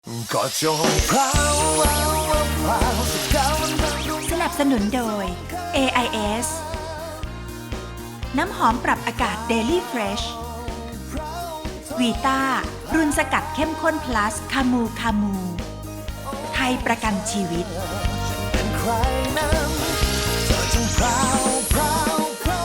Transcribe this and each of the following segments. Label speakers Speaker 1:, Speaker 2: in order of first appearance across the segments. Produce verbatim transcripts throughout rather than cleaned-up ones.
Speaker 1: ก็จงพราวพราวพราวสักคราวมันต้องดู
Speaker 2: สนับสนุนโดย เอ ไอ เอส น้ำหอมปรับอากาศ Daily Fresh วีต้ารุ่นสกัดเข้มข้น plus คามูคามู ไทยประกันชีวิต
Speaker 1: เป็นใครนั้นเธอจงพราวพราวพราว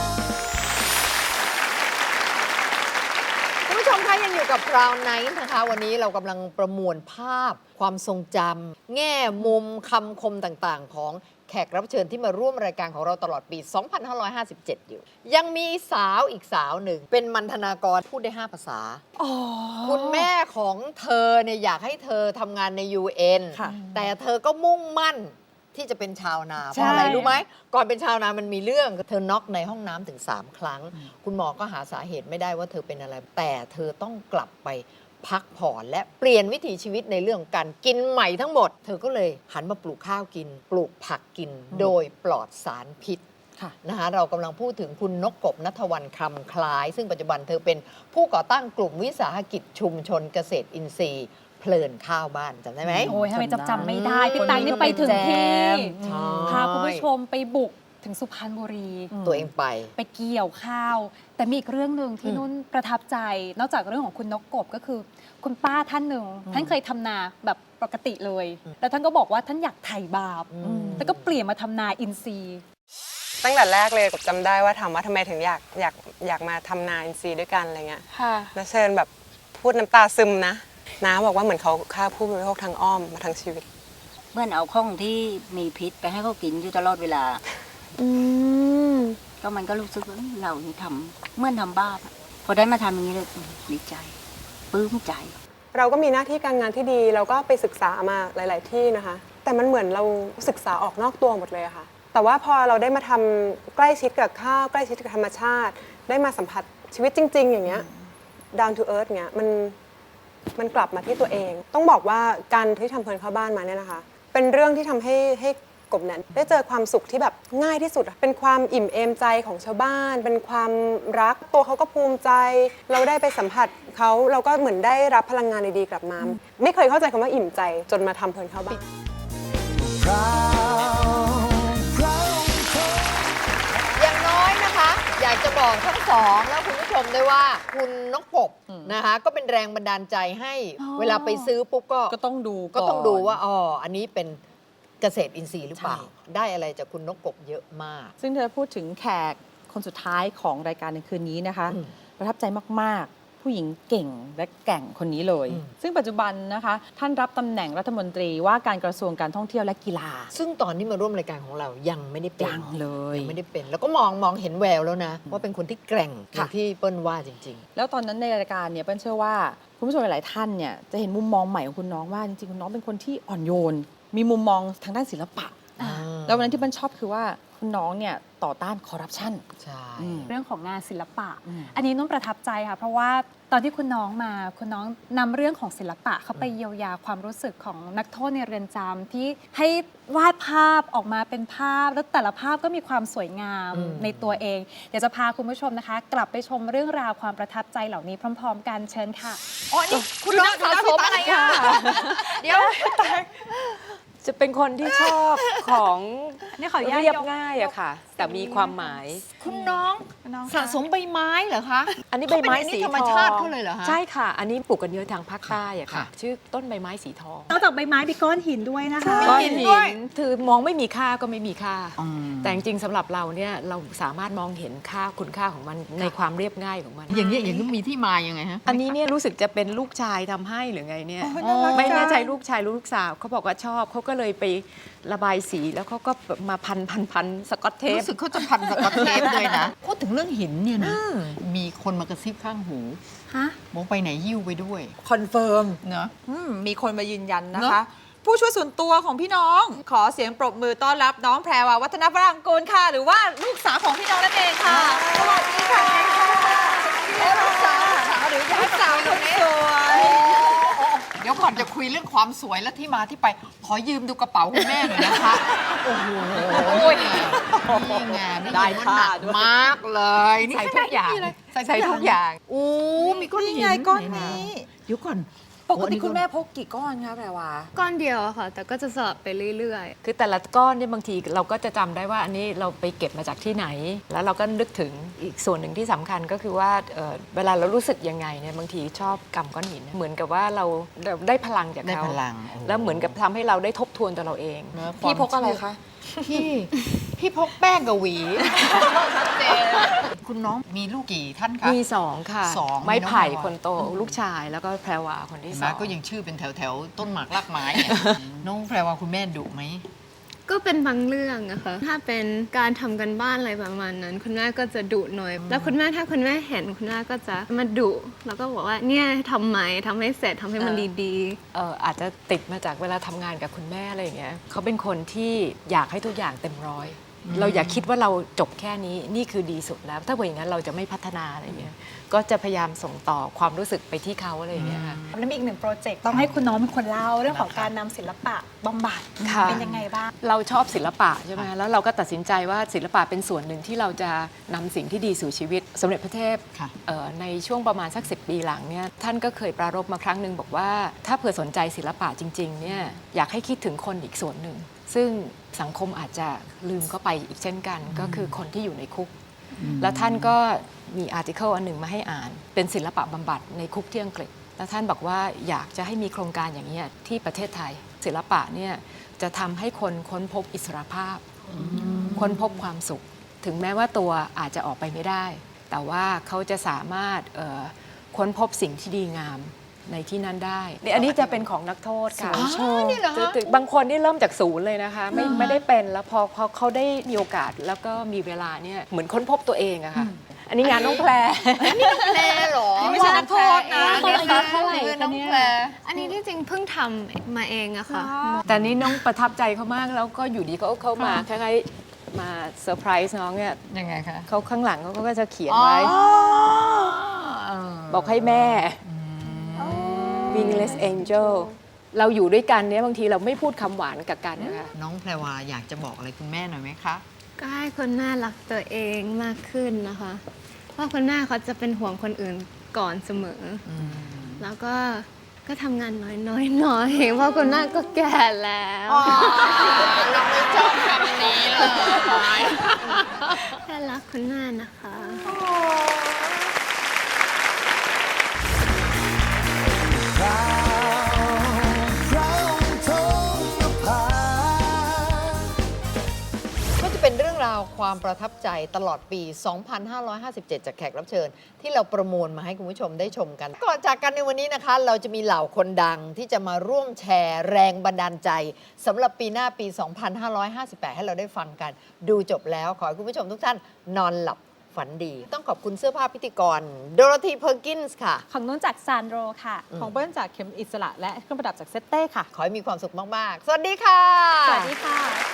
Speaker 3: คุณผู้ชมคะยังอยู่กับ Crown Night นะคะ วันนี้เรากำลังประมวลภาพ ความทรงจำแง่มุมคำคมต่างๆ ของแขกรับเชิญที่มาร่วมรายการของเราตลอดปี สองพันห้าร้อยห้าสิบเจ็ด อยู่ ยังมีสาวอีกสาวหนึ่ง เป็นมัณฑนากรพูดได้ ห้า ภาษา คุณแม่ของเธอเนี่ยอยากให้เธอทำงานใน ยู เอ็น
Speaker 4: ค่ะ
Speaker 3: แต่เธอก็มุ่งมั่นที่จะเป็นชาวนาเพ
Speaker 4: ใช่
Speaker 3: ราะอะไรรู้ไหม ก่อนเป็นชาวนามันมีเรื่องเธอน็อกในห้องน้ำถึง สาม ครั้ง คุณหมอก็หาสาเหตุไม่ได้ว่าเธอเป็นอะไร แต่เธอต้องกลับไปพักผ่อนและเปลี่ยนวิถีชีวิตในเรื่องของการกินใหม่ทั้งหมด เธอก็เลยหันมาปลูกข้าวกิน ปลูกผักกิน โดยปลอดสารพิษ
Speaker 4: ค่ะ
Speaker 3: นะคะเรากำลังพูดถึงคุณนกกบณัฐวรรณคำคล้าย ซึ่งปัจจุบันเธอเป็นผู้ก่อตั้งกลุ่มวิสาหกิจชุมชนเกษตรอินทรีย์เพลินข้าวบ้านจำได้ไหม
Speaker 5: โอ้ยทำไมจำจำไม่ได้
Speaker 3: อืม
Speaker 5: พี่ตังนี่ไปถึงที่
Speaker 3: ใช่
Speaker 5: พาคุณผู้ชมไปบุกถึงสุพรรณบุรี
Speaker 3: ตัวเองไป
Speaker 5: ไปเกี่ยวข้าว แต่มีอีกเรื่องหนึ่งที่
Speaker 3: อืม
Speaker 5: นุ่นประทับใจ นอกจากเรื่องของคุณนกกบก็คือ คุณป้าท่านหนึ่งท่านเคยทำนาแบบปกติเลย แล้วท่านก็บอกว่าท่านอยากไถ่บาป
Speaker 3: อืม
Speaker 5: แล้วก็เปลี่ยนมาทำนาอินทรีย์
Speaker 4: ตั้งแต่แรกเลยกบจำได้ว่าถามว่าทำไมถึงอยากอยากอยากมาทำนาอินทรีย์ด้วยกันอะไรเงี้ย
Speaker 5: ค่ะ
Speaker 4: แล้วเชิญแบบพูดน้ำตาซึมนะน้าบอกว่าเหมือนเขาฆ่าผู้บริโภคทางอ้อมมาทั้งชีวิต
Speaker 6: เหมื่อนเอาของที่มีพิษไปให้เขากินอยู่ตลอดเวลา
Speaker 4: อืม
Speaker 6: ก็มันก็รู้สึกว่าเอ้ยเรานี่ทำเหมื่อนทำบ้าปอะพอได้มาทำอย่างนี้เลยอืมดีใจปลื้มใจ
Speaker 4: เราก็มีหน้าที่การงานที่ดีเราก็ไปศึกษามาหลาย ๆ ที่นะคะ แต่มันเหมือนเราศึกษาออกนอกตัวหมดเลยอะค่ะ แต่ว่าพอเราได้มาทำใกล้ชิดกับข้าวใกล้ชิดกับธรรมชาติ ได้มาสัมผัสชีวิตจริง ๆ อย่างเงี้ย down to earth เงี้ยมันมันกลับมาที่ตัวเอง ต้องบอกว่าการที่ทำเพลินเข้าบ้านมาเนี่ยนะคะ เป็นเรื่องที่ทำให้ให้กบเนี่ยได้เจอความสุขที่แบบง่ายที่สุดอะเป็นความอิ่มเอมใจของชาวบ้าน เป็นความรักตัวเขาก็ภูมิใจ เราได้ไปสัมผัสเขาเราก็เหมือนได้รับพลังงานดีๆกลับมา ไม่เคยเข้าใจคำว่าอิ่มใจจนมาทำเพลินเข้าบ้าน
Speaker 1: พราวพราวพราว
Speaker 3: อย่างน้อยนะคะ อยากจะบอกทั้งสองแล้วคุณผู้ชมด้วยว่า คุณนกกบนะคะก็เป็นแรงบันดาลใจให้
Speaker 5: อ๋อ
Speaker 3: เวลาไปซื้อปุ๊บก็
Speaker 7: ก็ต้องดู
Speaker 3: ก็ต้อง
Speaker 7: น
Speaker 3: ดูว่าอ๋ออันนี้เป็นเกษตรอินทรีย์หรือเปล่า ได้อะไรจากคุณนกกบเยอะมาก
Speaker 7: ซึ่งเธอพูดถึงแขกคนสุดท้ายของรายการในคืนนี้นะคะ
Speaker 3: อืม
Speaker 7: ประทับใจมาก ๆ ผู้หญิงเก่งและแกร่งคนนี้เลย
Speaker 3: อืม
Speaker 7: ซึ่งปัจจุบันนะคะ ท่านรับตำแหน่งรัฐมนตรีว่าการกระทรวงการท่องเที่ยวและกีฬา
Speaker 3: ซึ่งตอนที่มาร่วมรายการของเรายังไม่ได้เป็น
Speaker 7: ยังเลย
Speaker 3: ยังไม่ได้เป็น แล้วก็มองมองเห็นแววแล้วนะ ว่าเป็นคนที่แกร่งอย่างที่เปิ้ลว่าจริง
Speaker 7: แล้วตอนนั้นในรายการเนี่ยเปิ้ลเชื่อว่าคุณผู้ชมหลายๆท่านเนี่ยจะเห็นมุมมองใหม่ของคุณน้องว่าจริงๆคุณน้องเป็นคนที่อ่อนโยน มีมุมมองทางด้านศิลปะ
Speaker 3: ๆอ่า
Speaker 7: แล้ววันนั้นที่เปิ้ลชอบคือว่าคุณน้องเนี่ยต่อต้านคอร์รัปชัน
Speaker 3: ใช่
Speaker 7: อืม
Speaker 5: เรื่องของงานศิลปะ
Speaker 7: อืม
Speaker 5: อันนี้นุ่นประทับใจค่ะ เพราะว่าตอนที่คุณน้องมา คุณน้องนำเรื่องของศิลปะเข้าไปเยียวยาความรู้สึกของนักโทษในเรือนจำที่ให้วาดภาพออกมาเป็นภาพ แล้วแต่ละภาพก็มีความสวยงาม
Speaker 3: อืม
Speaker 5: ในตัวเอง เดี๋ยวจะพาคุณผู้ชมนะคะ กลับไปชมเรื่องราวความประทับใจเหล่านี้พร้อม ๆ กันเชิญค่ะ
Speaker 3: อ๋อนี่คุณน้องสะสมอะไรอ่ะ เดี๋ยว
Speaker 8: จะเป็นคนที่ชอบของ
Speaker 5: นี่ขออนุญาต
Speaker 8: เรียบ
Speaker 5: ยก
Speaker 8: ง่ายอะค่ะ แต่มีความหมาย
Speaker 3: คุณน้องสะสมใบไม้เหรอคะ
Speaker 8: อันนี้ใบไม้
Speaker 3: เขาเป็นอันนี้
Speaker 8: สี
Speaker 3: ธรรม
Speaker 8: ทอง
Speaker 3: ชาติเขาเลยเหรอคะ
Speaker 8: ใช่ค่ะ อันนี้ปลูกกันเยอะทางภาคใต้อะค่ะ
Speaker 3: ค่ะ
Speaker 8: ชื่อต้นใบไม้สีทอง
Speaker 5: นอกจากใบไม้มีก้อนหินด้วยนะคะ
Speaker 3: มี
Speaker 8: ก้อน
Speaker 3: หิน
Speaker 8: หิ
Speaker 3: ด้วย
Speaker 8: นคือมองไม่มีค่าก็ไม่มีค่า แต่จริงๆสำหรับเราเนี่ยเราสามารถมองเห็นค่าคุณค่าของมันในความเรียบง่ายของมัน
Speaker 3: อย่างนี้ยอย่างนี้มีที่มายังไงฮะ
Speaker 8: อันนี้เนี่ยรู้สึกจะเป็นลูกชายทำให้หรือไงเนี่ย
Speaker 3: น่ารัก
Speaker 8: ไม่แน่ใจ
Speaker 3: จัง
Speaker 8: ลูกชายหรือลูกสาวเขาบอกว่าชอบเขาก็เลยไประบายสีแล้วเขาก็มาพันพันพันสกอตเทป
Speaker 3: รู้สึกเขาจะพันสกอตเทปด้วยนะ พูดถึงเรื่องหินเนี่ยนะ มีคนมากระซิบข้างหู
Speaker 5: ฮะ
Speaker 3: มองไปไหนยิ้วไปด้วย
Speaker 4: คอนเฟิร์ม
Speaker 3: เนาะ
Speaker 4: อืมมีคนมายืนยันนะ
Speaker 3: เน
Speaker 4: คะ
Speaker 3: อะ
Speaker 4: ผู้ช่วยส่วนตัวของพี่น้อง ขอเสียงปรบมือต้อนรับน้องแพรวาวัฒนวรังกูลค่ะ หรือว่าลูกสาวของพี่น้องนั่นเองค่ะ สวัสดีค่ะ
Speaker 3: ลูกสาวหรือลูกสาวคนนี้
Speaker 4: สวย
Speaker 3: เดี๋ยวก่อนจะคุยเรื่องความสวยและที่มาที่ไป ขอยืมดูกระเป๋าคุณแม่หน่อยนะคะ โอ้โหนี่ไงนี่
Speaker 8: ได้
Speaker 3: มัน
Speaker 8: ค่ะ
Speaker 3: หนัก
Speaker 8: ด้วย
Speaker 3: มากเลย
Speaker 8: ใส่ทุกอย่าง
Speaker 3: ใส่
Speaker 8: ใส่ทุกอย่าง
Speaker 3: โอ้มีก้อนหิน
Speaker 4: นี่ไงก้อนนี้
Speaker 3: เดี๋ยวก่อน
Speaker 7: ปกติคุณแม่พกกี่ก้อนคะแพรวา
Speaker 9: ก้อนเดียวอะค่ะ แต่ก็จะสลับไปเรื่อยๆ
Speaker 8: คือแต่ละก้อนเนี่ยบางทีเราก็จะจำได้ว่าอันนี้เราไปเก็บมาจากที่ไหน แล้วเราก็นึกถึงอีกส่วนหนึ่งที่สำคัญก็คือว่าเอ่อเวลาเรารู้สึกยังไงเนี่ยบางทีชอบกำก้อนหินเหมือนกับว่าเราเราได้พลังจาก
Speaker 3: ได้
Speaker 8: เขา
Speaker 3: พลังโอ้โห
Speaker 8: แล้วเหมือนกับทำให้เราได้ทบทวนตัวเราเอง
Speaker 7: พี่พกอะไรคะ
Speaker 3: พี่พี่พกแป้งกับหวีชัดเจนคุณน้องมีลูกกี่ท่านคะ
Speaker 8: มีสองค่ะ
Speaker 3: สอง
Speaker 8: ไม้ไผ่
Speaker 3: มีน้องแพรวา
Speaker 8: คนโตลูกชายแล้วก็แพรวาคนที่
Speaker 3: เห็น
Speaker 8: ส
Speaker 3: ไหม
Speaker 8: อง
Speaker 3: ก็ยังชื่อเป็นแถวแถวๆต้นหมากรากไม้เนี่ย น้องแพรว่าคุณแม่ดุไหม
Speaker 9: ก็เป็นบางเรื่องอะค่ะ ถ้าเป็นการทำกันบ้านอะไรประมาณนั้น คุณแม่ก็จะดุหน่อย แล้วคุณแม่ถ้าคุณแม่เห็นคุณแม่ก็จะมาดุแล้วก็บอกว่าเนี่ยทำไหมทำให้เสร็จทำให้มันดี
Speaker 8: เอ่ออาจจะติดมาจากเวลาทำงานกับคุณแม่อะไรอย่างเงี้ยเขาเป็นคนที่อยากให้ทุกอย่างเต็มร้อย เราอย่าคิดว่าเราจบแค่นี้นี่คือดีสุดแล้ว ถ้าเป็นอย่างนั้นเราจะไม่พัฒนาอะไรอย่างเงี้ยก็จะพยายามส่งต่อความรู้สึกไปที่เขาอะไรอย่างเงี้ยค่ะ
Speaker 5: แล้วมีอีกหนึ่งโปรเจกต์ต้องให้คุณน้องเป็นคนเล่าเรื่องของการนำศิลปะบำบัด
Speaker 8: ค่ะ
Speaker 5: เป็นยังไงบ้าง
Speaker 8: เราชอบศิลปะใช่ไหมแล้วเราก็ตัดสินใจว่าศิลปะเป็นส่วนหนึ่งที่เราจะนำสิ่งที่ดีสู่ชีวิตสมเด็จพระเทพ
Speaker 3: ค่ะ
Speaker 8: เอ่อในช่วงประมาณสักสิบปีหลังเนี่ยท่านก็เคยปรารภมาครั้งหนึ่งบอกว่าถ้าเผื่อสนใจศิลปะจริงๆเนี่ยอยากให้คิดถึงคนอีกส่วนหนึ่งซึ่งสังคมอาจจะลืมเข้าไปอีกเช่นกัน ก็คือคนที่อยู่ในคุก แล้วท่านก็มีอาร์ติเคิลอันหนึ่งมาให้อ่าน เป็นศิลปะบำบัดในคุกที่อังกฤษ แล้วท่านบอกว่าอยากจะให้มีโครงการอย่างนี้ที่ประเทศไทย ศิลปะเนี่ยจะทำให้คนค้นพบอิสรภาพ ค้นพบความสุข ถึงแม้ว่าตัวอาจจะออกไปไม่ได้ แต่ว่าเขาจะสามารถเอ่อค้นพบสิ่งที่ดีงามในที่นั้นได้นี่อันนี้จะเป็นของนักโทษค่ะ
Speaker 3: อ๋อนี่เหรอฮะ
Speaker 8: บางคนนี่เริ่มจากศูนย์เลยนะคะ ไม่ไม่ได้เป็นแล้วพอพอเขาได้มีโอกาสแล้วก็มีเวลาเนี่ยเหมือนค้นพบตัวเองอะค่ะ อันนี้งานน้องแพร
Speaker 3: แพรเหรอ
Speaker 8: ไม่ใช่นักโทษนะ
Speaker 5: คนอายุเท่าไหร่
Speaker 3: คือ
Speaker 5: คะ
Speaker 3: น้อง
Speaker 5: เนี่ย
Speaker 3: แพร
Speaker 9: ๆ อันนี้ที่จริงเพิ่งทำมาเองอะค่ะ
Speaker 8: แต่นี่น้องประทับใจเขามากแล้วก็อยู่ดีเขาเขามาคล้ายๆมาเซอร์ไพรส์น้องเนี่ย
Speaker 3: ยังไงคะ
Speaker 8: เขาข้างหลังเขาก็จะเขียนไว้
Speaker 3: เออ
Speaker 8: บอกให้แม่ Wingless Angel เราอยู่ด้วยกันเนี่ยบางทีเราไม่พูดคำหวานกับกันนะคะ
Speaker 3: น้องแพรวาอยากจะบอกอะไรคุณแม่หน่อยไหมคะ
Speaker 9: ก็ให้คุณแม่รักตัวเองมากขึ้นนะคะเพราะคุณแม่เขาจะเป็นห่วงคนอื่นก่อนเสมออแล้วก็ก็ทำงานน้อยๆหน่อยเพราะคุณแม่ก็แก่แล้ว
Speaker 3: เราไม่ชอบคำนี้เลย
Speaker 9: แค่รักคุณแม่นะคะ
Speaker 3: ก็จะเป็นเรื่องราวความประทับใจตลอดปี สองพันห้าร้อยห้าสิบเจ็ด จากแขกรับเชิญ ที่เราประมวลมาให้คุณผู้ชมได้ชมกัน ก่อนจากกันในวันนี้นะคะ เราจะมีเหล่าคนดังที่จะมาร่วมแชร์แรงบันดาลใจสำหรับปีหน้าปี สองพันห้าร้อยห้าสิบแปด ให้เราได้ฟังกัน ดูจบแล้วขอให้คุณผู้ชมทุกท่านนอนหลับฝันดี ต้องขอบคุณเสื้อผ้าพิธีกรโดโรธีเพอร์กินส์ค่ะ
Speaker 5: ของนุ่นจากซานโดรค่ะ
Speaker 7: ของเบิ้ลจากเข็มอิสระและเครื่องประดับจากเซตเต้ค่ะ
Speaker 3: ขอให้มีความสุขมาก ๆ สวัสดีค่ะ
Speaker 5: สวัสดีค่ะ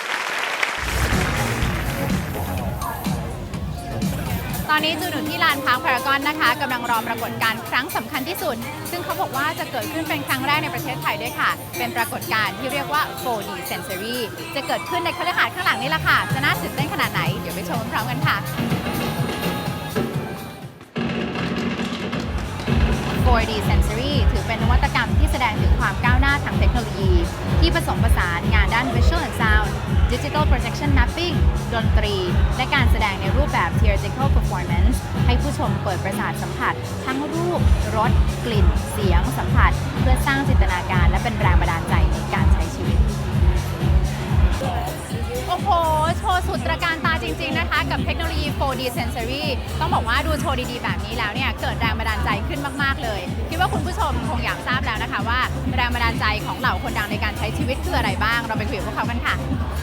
Speaker 10: ตอนนี้จูนอยู่ที่ลานพาร์คพารากอนนะคะกำลังรอปรากฏการณ์ครั้งสำคัญที่สุด ซึ่งเขาบอกว่าจะเกิดขึ้นเป็นครั้งแรกในประเทศไทยด้วยค่ะ เป็นปรากฏการณ์ที่เรียกว่า โฟร์ดี Sensory จะเกิดขึ้นในคฤหาสน์ข้างหลังนี่แหละค่ะ จะน่าตื่นเต้นขนาดไหน เดี๋ยวไปชมพร้อมกันค่ะ โฟร์ดี Sensory ถือเป็นนวัตกรรมที่แสดงถึงความก้าวหน้าทางเทคโนโลยี ที่ผสมผสานงานด้าน Visual and Sound Digital Projection Mapping ดนตรี และการแสดงในรูปแบบ Theatrical Performance ให้ผู้ชมเปิดประสาทสัมผัส ทั้งรูป รส กลิ่น เสียง สัมผัส เพื่อสร้างจินตนาการและเป็นแรงบันดาลใจในการใช้ชีวิต โอ้โห โชว์สุดตระการตาจริง ๆ นะคะ กับเทคโนโลยี โฟร์ดี Sensory ต้องบอกว่าดูโชว์ดีๆ แบบนี้แล้วเนี่ย เกิดแรงบันดาลใจขึ้นมาก ๆ เลย คิดว่าคุณผู้ชมคงอยากทราบแล้วนะคะว่าแรงบันดาลใจของเหล่าคนดังในการใช้ชีวิตคืออะไรบ้าง เราไปคุยกับพวกเขากันค่ะ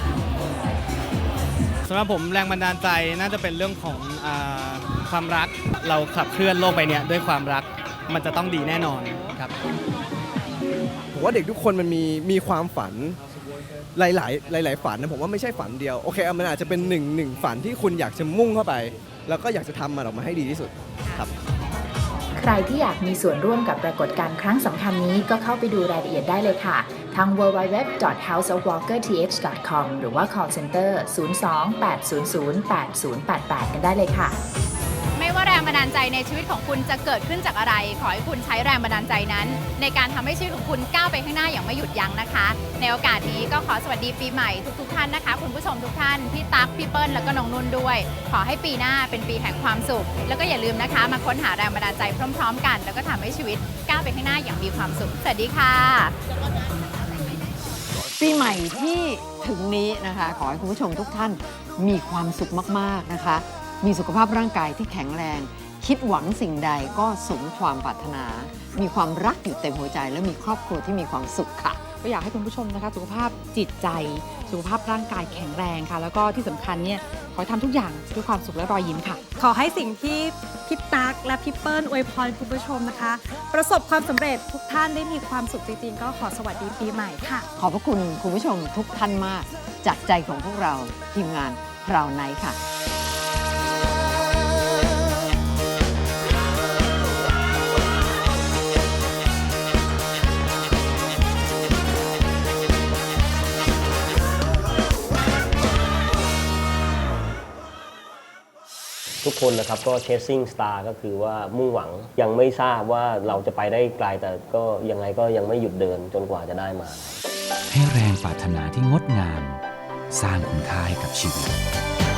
Speaker 11: สำหรับผมแรงบันดาลใจน่าจะเป็นเรื่องของอาความรักเราขับเคลื่อนโลกใบนี้ด้วยความรักมันจะต้องดีแน่นอนครับ
Speaker 12: ผมว่าเด็กทุกคนมันมีมีความฝันหลายๆหลาย ๆ ฝันนะผมว่าไม่ใช่ฝันเดียวโอเคมันอาจจะเป็นหนึ่งหนึ่งฝันที่คุณอยากจะมุ่งเข้าไป แล้วก็อยากจะทำมันออกมาให้ดีที่สุดครับ
Speaker 13: ใครที่อยากมีส่วนร่วมกับปรากฏการณ์ครั้งสำคัญนี้ก็เข้าไปดูรายละเอียดได้เลยค่ะ ทาง ดับเบิลยู ดับเบิลยู ดับเบิลยู ดอท เฮาส์ ออฟ วอลเกอร์ ที เอช ดอท คอม หรือว่า call center ศูนย์ สอง แปด ศูนย์ ศูนย์ แปด ศูนย์ แปด แปด กันได้เลยค่ะ
Speaker 10: ไม่ว่าแรงบันดาลใจในชีวิตของคุณจะเกิดขึ้นจากอะไรขอให้คุณใช้แรงบันดาลใจนั้นในการทำให้ชีวิตของคุณก้าวไปข้างหน้าอย่างไม่หยุดยั้งนะคะในโอกาสนี้ก็ขอสวัสดีปีใหม่ทุกๆท่านนะคะคุณผู้ชมทุกท่านพี่ตั๊กพี่เปิ้ลแล้วก็น้องนุ่นด้วยขอให้ปีหน้าเป็นปีแห่งความสุขแล้วก็อย่าลืมนะคะมาค้นหาแรงบันดาลใจพร้อมๆกันแล้วก็ทำให้ชีวิตก้าวไปข้างหน้าอย่างมีความสุขสวัสดีค่ะ
Speaker 3: ปีใหม่ที่ถึงนี้นะคะขอให้คุณผู้ชมทุกท่านมีความสุขมากๆนะคะมีสุขภาพร่างกายที่แข็งแรงคิดหวังสิ่งใดก็สมความปรารถนา มีความรักอยู่เต็มหัวใจและมีครอบครัวที่มีความสุขค่ะ
Speaker 7: ก็อยากให้คุณผู้ชมนะคะสุขภาพจิตใจสุขภาพร่างกายแข็งแรงค่ะแล้วก็ที่สำคัญเนี่ยขอให้ทำทุกอย่างด้วยความสุขและรอยยิ้มค่ะ
Speaker 5: ขอให้สิ่งที่พี่ตั๊กและพี่เปิ้ลอวยพรคุณผู้ชมนะคะ ประสบความสำเร็จทุกท่านได้มีความสุขจริงๆก็ขอสวัสดีปีใหม่ค่ะ
Speaker 3: ขอบพระคุณคุณผู้ชมทุกท่านมากจากใจของพวกเราทีมงานพราวไนท์ค่ะ
Speaker 14: ทุกคนนะครับก็ chasing star ก็คือว่ามุ่งหวังยังไม่ทราบว่าเราจะไปได้ไกลแต่ก็ยังไงก็ยังไม่หยุดเดินจนกว่าจะได้มา
Speaker 15: ให้แรงปรารถนาที่งดงามสร้างคุณค่าให้กับชีวิต